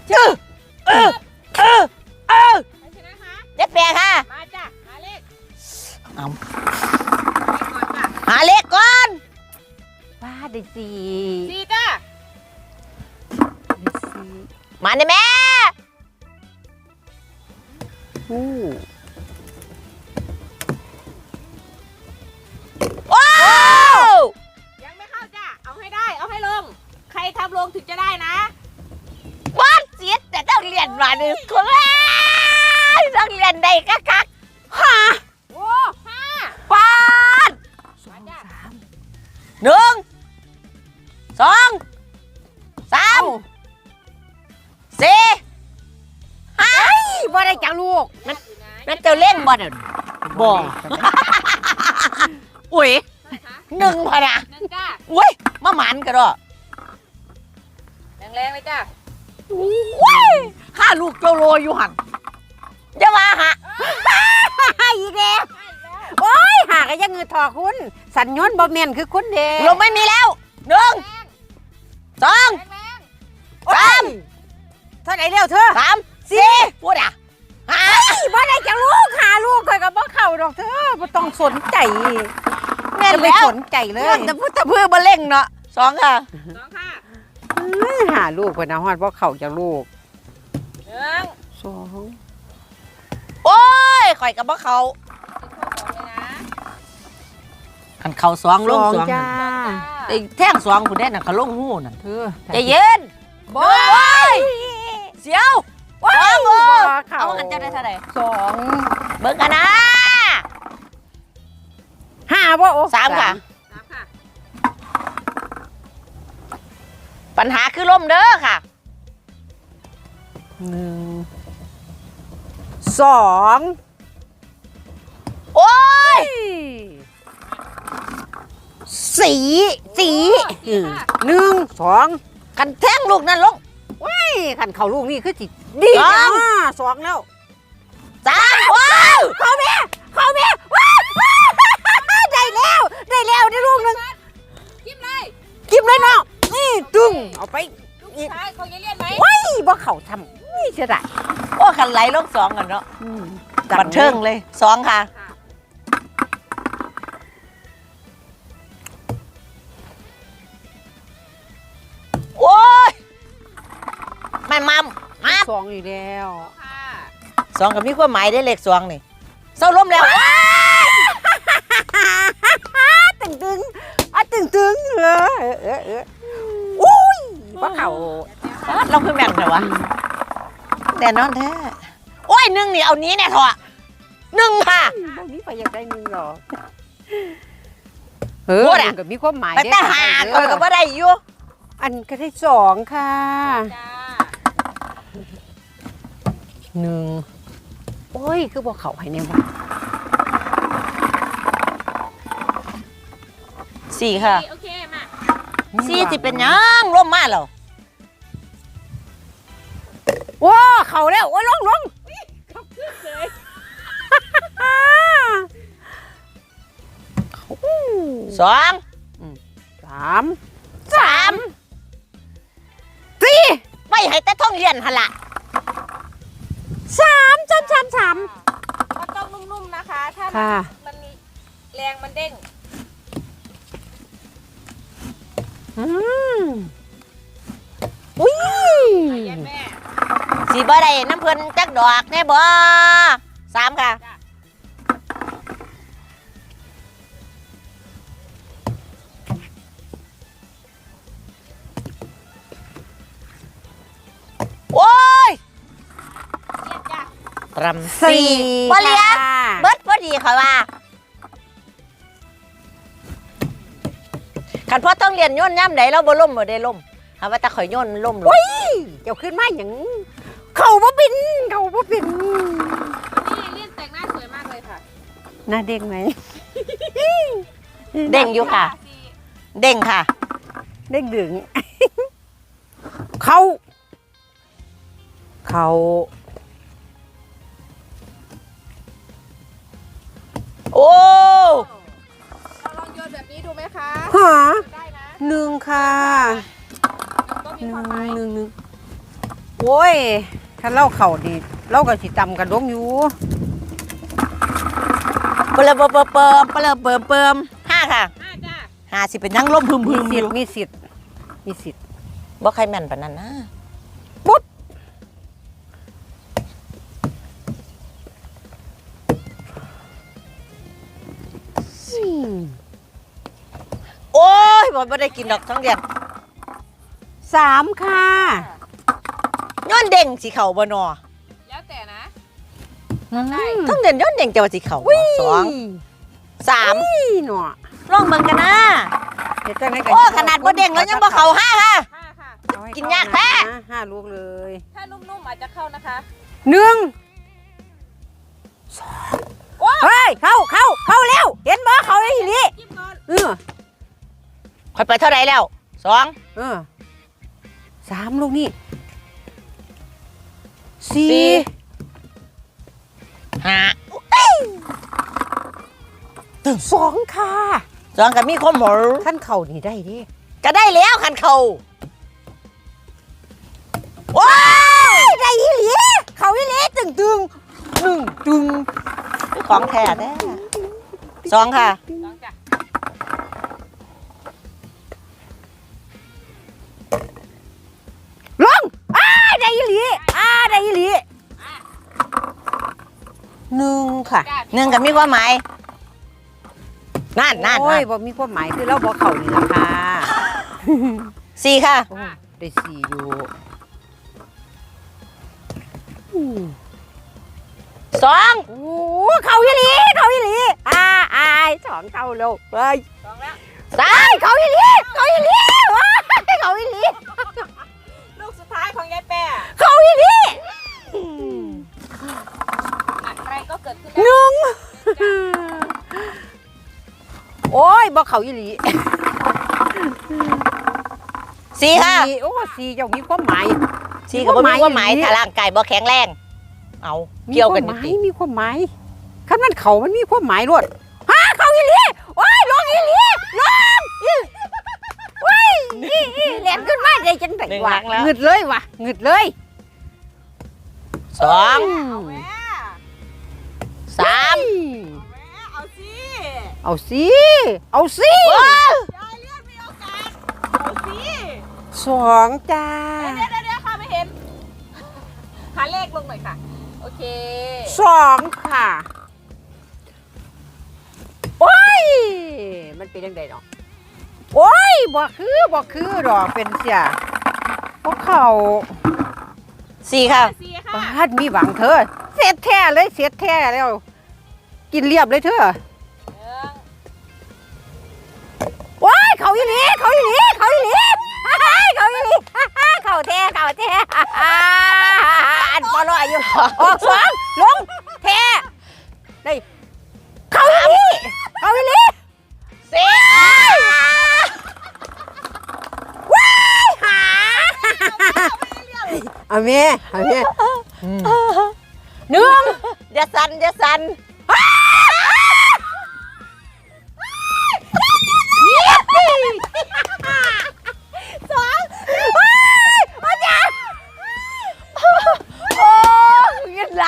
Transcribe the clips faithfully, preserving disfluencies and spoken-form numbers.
เออเออเออเออใครชนะคะเจ๊แปะค่ะมาจ้ะหาเลขเอาหาเลขก่อนบ้าได้สี่สี่จ้ะมาเนี่ยแม่อู้โอ้ยังไม่เข้าจ้ะเอาให้ได้เอาให้ลงใครทำลงถึงจะได้นะบ้านเสียแต่ต้องเรียนมาหนึ่งคนต้องเรียนได้กักกักห้าโอ้ห้าบ้านสองสามหนึ่งสองสามสี่ห้าบ่ได้จังลูกนั่นนั่นเจ้าเล่นบ่เด้อบ่อุ้ยหนึ่งพะนะหนึ่งจ้าอุ้ยมาหมันกันด้วยแรงๆเลยจ้าอุ้ยข้าลูกโจโลอยู่หันจะมาหาอีกแล้วโอ้ยหาก็ยังเงือทอคุณสัญญาณบ่เมียนคือคุณเด้ลงไม่มีแล้วหนึ่งสองสามเท่าไหร่เร็วเธอสามสี่พูดอ่ะหาบ่ได้จังลูกหาลูกเคยกับบ่เข่าดอกเธอบ่ต้องสนใจแม่ไม่สนใจเลยแต่พูดแต่เพื่อบ่เล่งเนาะสองค่ะสองค่ะหาลูกไปนะฮอดบ่เข่าจังลูกหนึ่งสองโอ้ยข่อยกับบ่เข่าขันเข่าสองลงสองจ้าไอ้แท่งสองคุณแน่น่ะเขาลงหูน่ะเธอใจเย็นบ่เสียวว้าวเอาหันเจ้าได้เท่าไหร่สองเบิ่งกันนะห้าบ่โอ้สามค่ะสามค่ะปัญหาคือลมเด้อค่ะหนึ่งสองโอ้ยสี่สี่หนึ่งสองกันแท่งลูกนั่นลงว้ายขันเข่าลูกนี่คือจิดีนะสองแล้วสามว้าวเข้าแม่เข้าแม่ว้าวได้แล้วได้แล้วได้ลูกหนึ่งกิมเลยกิมเลยเนาะนี่ตึงเอาไปอีกเขาจะเรียนไหมว้ายบ่เข่าทำนี่เสียดายโอ้ขันไหลลงสองกันเนาะบันเทิงเลยสองค่ะโอ้ยไม่มัมมาสองอีกแล้วสองกับมีความหมายได้เลขสองนี่เศร้าล้มแล้วตึงตึงอ่ะตึงตึงเออเออเอออุ้ยว่าเขาเราคือแม่นเหรอวะแต่นอนแท้โอ้ยหนึ่งนี่เอานี้แน่ทอะหนึ่งค่ะพวกนี้ไปยังได้หนึ่งหรอเออกับมีความหมายแต่หาเขาก็ไม่ได้อยู่อันก็ได้สองค่ะหนึ่งโอ้ยคือบอกเขาให้ในวันสี่ค่ะโอเคมาสี่จะเป็นยังร่มมากเหรอว้าเขาแล้วโอ้ยลงลงเขาขึ้นเลยสองสามสามสี่ไม่ให้แต่ท่องเรียนหละสามสามสามสามมันต้องนุ่มๆนะคะถ้ามันมีแรงมันเด้งอืมอุ้ยสีบ่ได้น้ำเพลินจักดอกแน่บ่สามค่ะโอ้ยรำสี่บอลเลียเบิร์ดพอดีค่ะว่าขันพ่อต้องเรียนย่นย่ำไหนเราบ่ล่มบ่ได้ล่มหาว่าตาข่อยย่นล่มลงเดี๋ยวขึ้นมาอย่างเข่าบ่บินเข่าบ่บินนี่เรียนแต่งหน้าสวยมากเลยค่ะหน้าเด้งไหมเด้งอยู่ค่ะเด้งค่ะเด้งดึงเขาเขาโอ้เราลองโยนแบบนี้ดูไหมคะหาหนึ่งค่ะหนึ่งหนึ่งหนึ่งโอ้ยถ้าเล่าเข่าดีเล่าก็สิตำกระดงอยู่เปิมเปิมเปิมเปิมเปิมเปิมเปิมห้าค่ะห้าจ้าห้าสิเป็นยังล้มพึมพึมีมอสิทยู่ธิ์มีสิทธิ์มีสิทธิ์บ่ใครแม่นปานนั้นนะปุ๊บโอ้ยบ่บ่ได้กินดอกท้องเดือนสามค่ะย้อนเด้งสิเข่าบ่นอแล้วแต่นะได้ท้องเดือนย้อนเด้งจะว่าสิเข่าบ่สองสามหน่อลองเบิ่งกันนะเฮ็ดจังได๋โอ้ขนาดบ่เด้งแล้วยังบ่เข่าห้าค่ะห้าค่ะเอให้กินยากแท้เข้นะห้าลูกเลยถ้านุ่มๆอาจจะเข้านะคะหนึ่งสองเฮ้ยเข้าเข้าเข้าแล้วเห็นบ่เข้าได้ทีนี้จิ้มก่อนเออค่อยไปเท่าไหร่แล้วสองเออสามลูกนี่สี่ห้าสองค่ะสองก็มีความหมอขั้นเข่านี่ได้ดิก็ได้แล้วคันเข่าว้าได้อีหลีเขาอีหลีตึงตึงหนึ่งตึงของแท้แท้สองค่ะสองจ้ะลงอ้าได้อีหลีอ้าได้อีหลีหนึ่งค่ะจ้าหนึ่งก็มีความหมายนั่นนั่นโอ้นั่ยนบ่มีความหมายคือเราบอกเขานี่ล่ะค่ะสี่ค่ะโอ้ได้สี่อยู่อืมสองโอ้เขาอีหลีเขาอีหลีอ่าอายสองเขาเร็วไปสองแล้วสามเขาอีหลีเขาอีหลีว้ายเขาอีหลีลูกสุดท้ายของยายแป้เขาอีหลีอะไรก็เกิดขึ้นหได้นึ่งโอ้ยบอกเขาอีหลีสี่ค่ะสี่โอ้สี่เจ้ามีความหมายสี่ก็บ่มีความหมายถ้าร่างกายบ่แข็งแรง เอาเกี่ยวกันมีนิความหดมายมีความหมายคันมันเขามันมีความหมายรวดฮะเขาอีหลีโอ้ยลงอีหลีลงอีโอ้ยอีอีแหลมขึ้นมาได้จังไดวะหงึดเลยวะหงึดเลยสองเอาแม่สามแม่เอาสิเอาสิเอาสิว้าวยายเลื่อนมีโอกาสเอาสิสองจ้าเดี๋ยวเดี๋ยวเดี๋ยวค่ะไม่เห็นหาเลขลงหน่อยค่ะ โอเคสองค่ะโอ้ยมันเป็นยังไงเนาะโอ้ยบ่คือบ่คือดอกเป็นเสียพวกเขาสี่ค่ะสี่ค่ะบ้านมีหวังเธอเสียแท้เลยเสียแท้แล้ว กินเรียบเลยเธอหนึ่งว้ายเขาอีหลีเขาอีหลีเขาอีหลีฮ่าฮ่าเขาอีหลีฮ่าฮ่าเขาแท้เขาแท้ฮ่าฮ่าอันปลอยอยู่ออกสองลงแท้ได้เขาอีหลีเขาอีหลีสี่ว้ายหาเอาเมียเอาเมียหนึ่งอย่าสั่นอย่าสั่นสองว้ายอาจารย์โอ้ยเงินไหล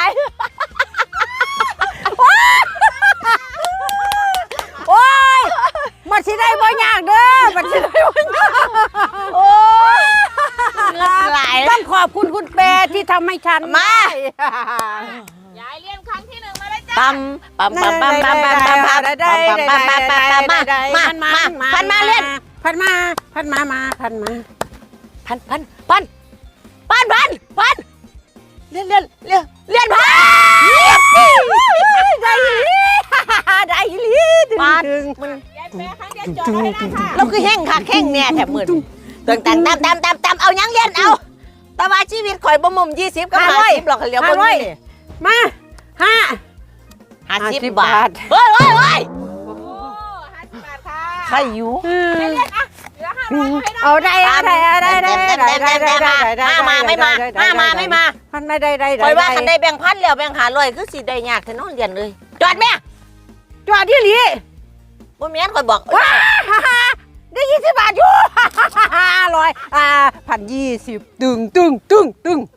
โอ้ยมันสิได้บ่ยากเด้อมันสิได้บ่ยากโอ้ยเงินไหลต้องขอบคุณคุณแปรที่ทำให้ฉันมายายเลื่อนครั้งที่หนึ่งมาเลยจ้าปั๊มปั๊มปั๊มปั๊มปั๊มปั๊มปั๊มปั๊มได้ปั๊มได้ปั๊มได้ปั๊มปั๊มได้ปั๊มมามามาพันมาเล่นพันมาพันมามาพันมาพันพันพันพันพันพันเลื่อนเลื่อนเลื่อนเลื่อนพันได้อีหลีได้อีหลีดึงปาดดึงมันยายแป้ครั้งเดียวจอดไว้ได้ค่ะเราคือแห้งค่ะแห้งเนี่ยแถมหมื่นตึงแต่งตามตามตามตามเอายังเรียนเอาแต่ว่าชีวิตข่อยบ่มุมยี่สิบก็ห้าสิบหรอกเหลียวบ่นี่มาห้าห้าสิบห้าสิบบบาบาททเฮ้ยเฮ้ยเฮ้ยโอ้ห้าสิบบาทค่ะใครอยู่ยายเลื่อนอ่ะเหลือห้าร้อยเอาให้ได้เอาได้เอาได้เอาได้ได้ได้ได้ได้ได้ได้ห้ามาไม่มาห้ามาไม่มาพันไม่ได้ได้ได้คอยว่าคันได้แบ่งพันแล้วแบ่งหาร้อยคือสิได้ยากแต่น้องเรียนเลยจอดแม่จอดที่หลีบ่แม่นคอยบอกว้าได้ยี่สิบบาทอยู่ร้อยอ่าพันยี่สิบตึงตึงตึงตึง